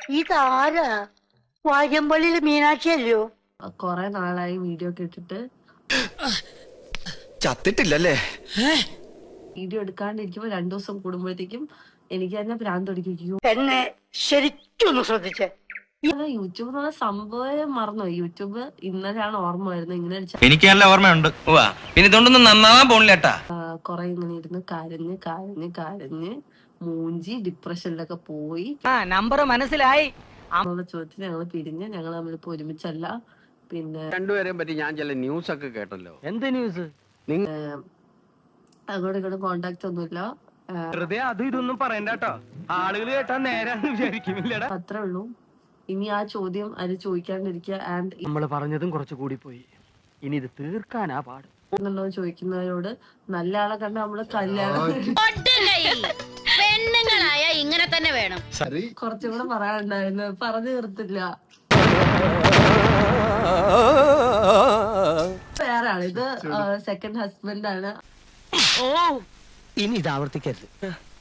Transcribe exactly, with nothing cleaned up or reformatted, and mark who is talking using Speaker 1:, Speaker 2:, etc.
Speaker 1: ഇതാരാ? വാര്യമ്പള്ളിയില് മീനാക്ഷിയല്ലോ.
Speaker 2: കൊറേ നാളായി വീഡിയോ ഒക്കെ ഇട്ടിട്ട്
Speaker 3: ചത്തിട്ടില്ലല്ലേ?
Speaker 2: വീഡിയോ എടുക്കാണ്ടിരിക്കുമ്പോ രണ്ടു ദിവസം കൂടുമ്പോഴത്തേക്കും എനിക്ക് തന്നെ ഭ്രാന്ത് പിടിക്കും.
Speaker 1: എന്നെ ശരിക്കൊന്ന് ശ്രദ്ധിച്ചേ.
Speaker 2: യൂട്യൂബ് എന്നുള്ള സംഭവം മറന്നു. യൂട്യൂബ് ഇന്നലെയാണ് ഓർമ്മ വരുന്നത്. ഇങ്ങനെ
Speaker 4: എനിക്ക് നല്ല ഓർമ്മയുണ്ട്. പിന്നെ ഇതുകൊണ്ടൊന്നും നന്നാവാൻ പോണില്ലേട്ടാ.
Speaker 2: കൊറേ ഇങ്ങനെ ഇരുന്ന് കരഞ്ഞ് കരഞ്ഞ് കരഞ്ഞ് മൂഞ്ചി ഡിപ്രഷനിലൊക്കെ പോയി.
Speaker 5: നമ്പർ മനസ്സിലായി.
Speaker 2: ചോദ്യത്തിന് ഞങ്ങൾ പിരിഞ്ഞ് ഞങ്ങൾ തമ്മിലിപ്പോ ഒരുമിച്ചല്ല. പിന്നെ
Speaker 6: രണ്ടുപേരെയും പറ്റി ഞാൻ ചില ന്യൂസ് ഒക്കെ കേട്ടല്ലോ.
Speaker 5: എന്ത് ന്യൂസ്?
Speaker 2: അങ്ങോട്ടും ഇങ്ങോട്ടും കോണ്ടാക്ട് ഒന്നുമില്ല.
Speaker 7: വെറുതെ അതും ഇതൊന്നും പറയണ്ടോ, ആളുകൾ കേട്ടാ നേരാന്ന് വിചാരിക്കുന്നില്ലടാ.
Speaker 2: അത്രേ ഉള്ളൂ. ഇനി ആ ചോദ്യം അത് ചോദിക്കാണ്ടിരിക്കുക. ആൻഡ്
Speaker 5: നമ്മൾ പറഞ്ഞതും കുറച്ച് കൂടി പോയി. ഇനി ഇത് തീർക്കാനാ പാട്.
Speaker 2: എന്നുള്ളത് ചോദിക്കുന്നവരോട് നല്ല ആളെ കണ്ട് നമ്മള് കല്യാണം
Speaker 8: പെണ്ണുങ്ങളായ ഇങ്ങനെ തന്നെ വേണം.
Speaker 2: കുറച്ചും കൂടെ പറയാനുണ്ടായിരുന്നു, പറഞ്ഞു തീർത്തില്ല. വേറെ ആള്, ഇത് സെക്കൻഡ് ഹസ്ബൻഡ് ആണ്.
Speaker 5: ഓ ഇനി ഇത് ആവർത്തിക്കരുത്.